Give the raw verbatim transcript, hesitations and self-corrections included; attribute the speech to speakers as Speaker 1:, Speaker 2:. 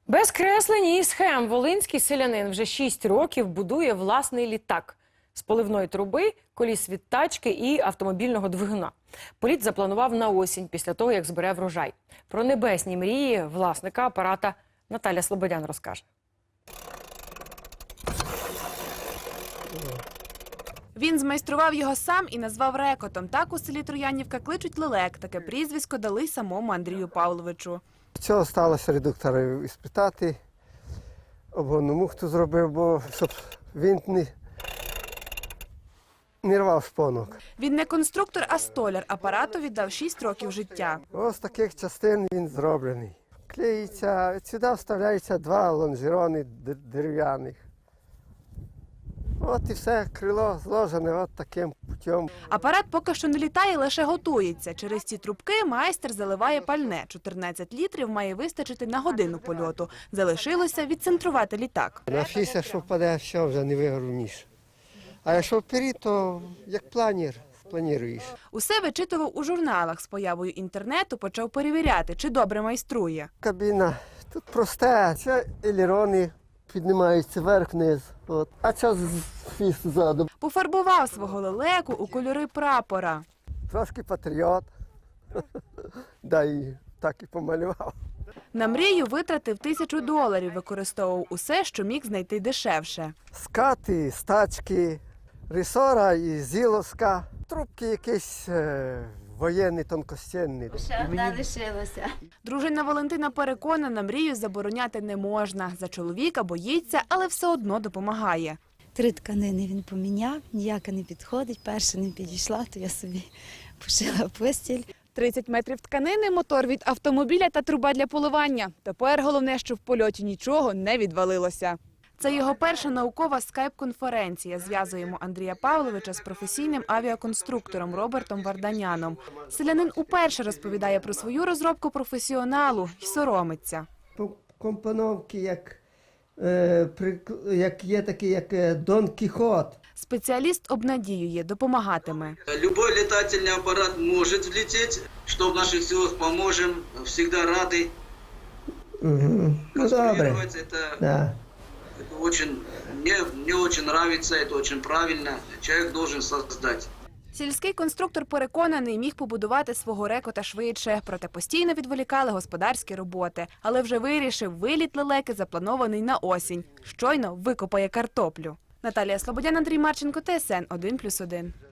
Speaker 1: Без креслень і схем волинський селянин вже шість років будує власний літак з поливної труби, коліс від тачки і автомобільного двигуна. Політ запланував на осінь, після того, як збере врожай. Про небесні мрії власника апарата Наталя Слободян розкаже.
Speaker 2: Він змайстрував його сам і назвав рекотом. Так у селі Троянівка кличуть лелек. Таке прізвисько дали самому Андрію Павловичу.
Speaker 3: Цього сталося редуктора іспитати, обгонну мухту зробив, бо щоб він не, не рвав шпонок.
Speaker 2: Він не конструктор, а столяр. Апарату віддав шість років життя.
Speaker 3: Ось таких частин він зроблений. Клеїться, сюди вставляються два лонжерони дерев'яних. От і все, крило зложене от таким путем.
Speaker 2: Апарат поки що не літає, лише готується. Через ці трубки майстер заливає пальне. чотирнадцять літрів має вистачити на годину польоту. Залишилося відцентрувати літак.
Speaker 3: На шістдесят, що впаде, все вже не вигорніше. А якщо вперед, то як планір, плануєш.
Speaker 2: Усе вичитував у журналах. З появою інтернету почав перевіряти, чи добре майструє.
Speaker 3: Кабіна тут просте, це елерони піднімаються вверх-вниз. От. А це фіст ззаду.
Speaker 2: Пофарбував свого лелеку у кольори прапора.
Speaker 3: Трошки патріот. Да, і так і помалював.
Speaker 2: На мрію витратив тисячу доларів, використовував усе, що міг знайти дешевше.
Speaker 3: Скати, стачки, рисора і зіловська. Трубки якісь е, воєнні, тонкостінні.
Speaker 4: Ще одна лишилася.
Speaker 2: Дружина Валентина переконана, мрію забороняти не можна. За чоловіка боїться, але все одно допомагає.
Speaker 4: Три тканини він поміняв, ніяка не підходить. Перша не підійшла, то я собі пошила постіль.
Speaker 2: тридцять метрів тканини, мотор від автомобіля та труба для поливання. Тепер головне, що в польоті нічого не відвалилося. Це його перша наукова скайп-конференція. Зв'язуємо Андрія Павловича з професійним авіаконструктором Робертом Варданяном. Селянин уперше розповідає про свою розробку професіоналу і соромиться.
Speaker 3: Компоновки, як, е, при, як є такий, як е, Дон Кіхот.
Speaker 2: Спеціаліст обнадіює, допомагатиме.
Speaker 5: Любой летательный аппарат может взлететь. Что в наших силах поможем, всегда рады.
Speaker 3: Угу. Ну, добре.
Speaker 5: Это,
Speaker 3: Да.
Speaker 5: это очень, мне, мне очень нравится, это очень правильно. Человек должен создать.
Speaker 2: Сільський конструктор переконаний, міг побудувати свого рекота швидше, проте постійно відволікали господарські роботи. Але вже вирішив, виліт лелеки запланований на осінь. Щойно викопає картоплю. Наталія Слободян, Андрій Марченко, Т С Н один плюс один.